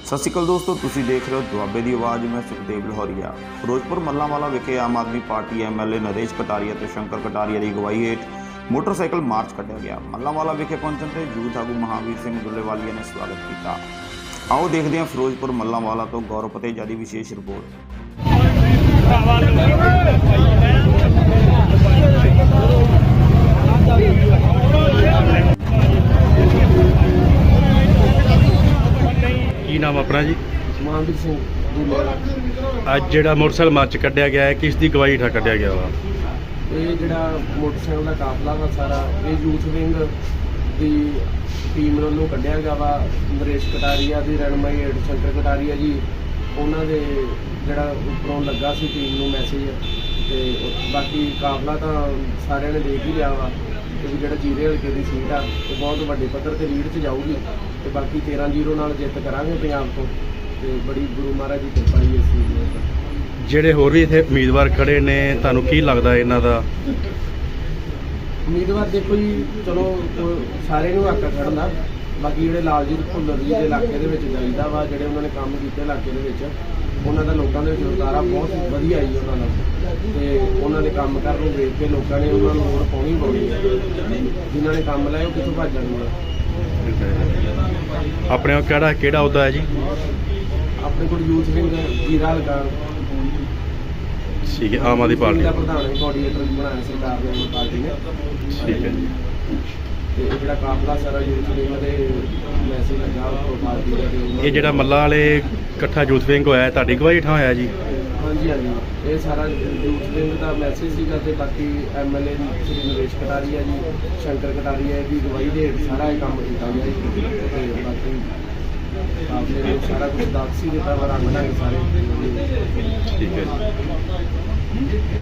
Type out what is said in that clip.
ਸਤਿ ਸ਼੍ਰੀ ਅਕਾਲ ਦੋਸਤੋ, ਤੁਸੀਂ ਦੇਖ ਰਹੇ ਹੋ ਦੁਆਬੇ ਦੀ ਆਵਾਜ਼। ਮੈਂ ਸੁਖਦੇਵ ਲਾਹੌਰੀਆ। ਫਿਰੋਜ਼ਪੁਰ ਮੱਲਾਂਵਾਲਾ ਵਿਖੇ ਆਮ ਆਦਮੀ ਪਾਰਟੀ ਐਮਐਲਏ ਨਰੇਸ਼ ਕਟਾਰੀਆ ਤੇ ਸ਼ੰਕਰ ਕਟਾਰੀਆ ਦੀ ਅਗਵਾਈ ਹੇਠ ਮੋਟਰਸਾਈਕਲ ਮਾਰਚ ਕੱਢਿਆ ਗਿਆ। ਮੱਲਾਂਵਾਲਾ ਵਿਖੇ ਪਹੁੰਚਣ ਤੇ ਯੂਥ ਆਗੂ ਮਹਾਵੀਰ ਸਿੰਘ ਦੁੱਲੇਵਾਲੀਆ ਨੇ ਸਵਾਗਤ ਕੀਤਾ। ਆਓ ਦੇਖਦੇ ਹਾਂ ਫਿਰੋਜ਼ਪੁਰ ਮੱਲਾਂਵਾਲਾ ਤੋਂ ਗੌਰਵ ਪਤੇਜਾ ਦੀ ਵਿਸ਼ੇਸ਼ ਰਿਪੋਰਟ। ਕੀ ਨਾਮ ਆਪਣਾ ਜੀ? ਮਹਾਵੀਰ ਸਿੰਘ ਦੁੱਲੇਵਾਲਾ। ਅੱਜ ਜਿਹੜਾ ਮੋਟਰਸਾਈਕਲ ਮਾਰਚ ਕੱਢਿਆ ਗਿਆ ਹੈ, ਕਿਸ ਦੀ ਅਗਵਾਈ ਹੇਠਾਂ ਕੱਢਿਆ ਗਿਆ ਵਾ? ਇਹ ਜਿਹੜਾ ਮੋਟਰਸਾਈਕਲ ਦਾ ਕਾਫਲਾ ਵਾ ਸਾਰਾ ਇਹ ਯੂਥ ਵਿੰਗ ਦੀ ਟੀਮ ਵੱਲੋਂ ਕੱਢਿਆ ਗਿਆ ਵਾ। ਨਰੇਸ਼ ਕਟਾਰੀਆ ਦੀ ਰਹਿਨੁਮਾਈ ਹੇਠ ਸ਼ੰਕਰ ਕਟਾਰੀਆ ਜੀ ਉਹਨਾਂ ਦੇ ਜਿਹੜਾ ਉੱਪਰੋਂ ਲੱਗਾ ਸੀ ਟੀਮ ਨੂੰ ਮੈਸੇਜ। ਤੇ ਬਾਕੀ ਕਾਫਲਾ ਤਾਂ ਸਾਰਿਆਂ ਨੇ ਦੇਖ ਹੀ ਲਿਆ ਵਾ ਕਿ ਜਿਹੜਾ ਜੀਰੇ ਹਲਕੇ ਦੀ ਸੀਟ ਆ ਉਹ ਬਹੁਤ ਵੱਡੇ ਪੱਧਰ ਤੇ ਲੀਡ 'ਚ ਜਾਊਗੀ ਤੇ ਬਾਕੀ 13-0 ਨਾਲ ਜਿੱਤ ਕਰਾਂਗੇ ਪੰਜਾਬ ਤੋਂ। ਤੇ ਬੜੀ ਗੁਰੂ ਮਹਾਰਾਜ ਦੀ ਕਿਰਪਾ ਹੀ ਇਸ ਚੀਜ਼ ਦੀ। ਜਿਹੜੇ ਹੋਰ ਵੀ ਇੱਥੇ ਉਮੀਦਵਾਰ ਖੜੇ ਨੇ, ਤੁਹਾਨੂੰ ਕੀ ਲੱਗਦਾ ਇਹਨਾਂ ਦਾ? ਉਮੀਦਵਾਰ ਦੇਖੋ ਜੀ, ਚਲੋ ਸਾਰੇ ਨੂੰ ਹੱਕ ਖੜਨ ਦਾ। ਬਾਕੀ ਜਿਹੜੇ ਲਾਲਜੀਤ ਭੁੱਲਰ ਜੀ ਦੇ ਇਲਾਕੇ ਦੇ ਵਿੱਚ ਜਾਈਦਾ ਵਾ, ਜਿਹੜੇ ਉਹਨਾਂ ਨੇ ਕੰਮ ਕੀਤੇ ਇਲਾਕੇ ਦੇ ਵਿੱਚ, ਉਹਨਾਂ ਦਾ ਲੋਕਾਂ ਦੇ ਵਿੱਚ ਉਤਾਰਾ ਬਹੁਤ ਵਧੀਆ ਆਈ ਉਹਨਾਂ ਦਾ। ਤੇ ਉਹਨਾਂ ਦੇ ਕੰਮ ਕਰਨ ਨੂੰ ਦੇਖ ਕੇ ਲੋਕਾਂ ਨੇ ਉਹਨਾਂ ਨੂੰ ਵੋਟ ਪਾਉਣੀ ਪਾਉਣੀ ਹੈ। ਜਿਨ੍ਹਾਂ ਨੇ ਕੰਮ ਲਾਏ ਉਹ ਕਿੱਥੋਂ ਭੱਜ ਜਾਣਗੇ। ਆਪਣੇ ਕੋਲ ਕਿਹੜਾ ਅਹੁਦਾ ਹੈ ਜੀ? ਆਪਣੇ ਕੋਲ ਯੂਥ ਵਿੰਗ ਜੀਰਾ ਹਲਕਾ ਠੀਕ ਹੈ, ਆਮ ਆਦਮੀ ਪਾਰਟੀ ਦਾ ਪ੍ਰਧਾਨ ਕੋਆਰਡੀਨੇਟਰ ਬਣਾਇਆ ਸਰਕਾਰ ਨੇ ਪਾਰਟੀ ਨੇ। ਠੀਕ ਹੈ ਜੀ। ਤੇ ਇਹ ਜਿਹੜਾ ਕਾਫਲਾ ਸਾਰਾ ਯੂਥ ਵਿੰਗ ਦੇ ਮੈਸੇਜ ਲੱਗਾ ਉਹ ਪਾਰਟੀ ਦਾ। ਇਹ ਜਿਹੜਾ ਮੱਲਾਂ ਵਾਲੇ ਇਕੱਠਾ ਯੂਥ ਵਿੰਗ ਹੋਇਆ, ਤੁਹਾਡੀ ਅਗਵਾਈ ਹੇਠਾਂ ਹੋਇਆ ਜੀ? ਹਾਂਜੀ ਹਾਂਜੀ, ਇਹ ਸਾਰਾ ਯੂਥ ਵਿੰਗ ਦਾ ਮੈਸੇਜ ਸੀਗਾ। ਤੇ ਬਾਕੀ ਐਮਐਲਏ ਸ਼੍ਰੀ ਨਰੇਸ਼ ਕਟਾਰੀਆ ਜੀ, ਸ਼ੰਕਰ ਕਟਾਰੀਆ ਦੀ ਅਗਵਾਈ ਦੇ ਹੇਠ ਸਾਰਾ ਇਹ ਕੰਮ ਕੀਤਾ ਗਿਆ ਜੀ। ਤੇ ਬਾਕੀ ਕਾਫਲੇ ਨੇ ਸਾਰਾ ਕੁਝ ਦੱਸ ਹੀ ਦਿੱਤਾ ਵਾ, ਰੰਗ ਢੰਗ ਸਾਰੇ। ਠੀਕ ਹੈ ਜੀ।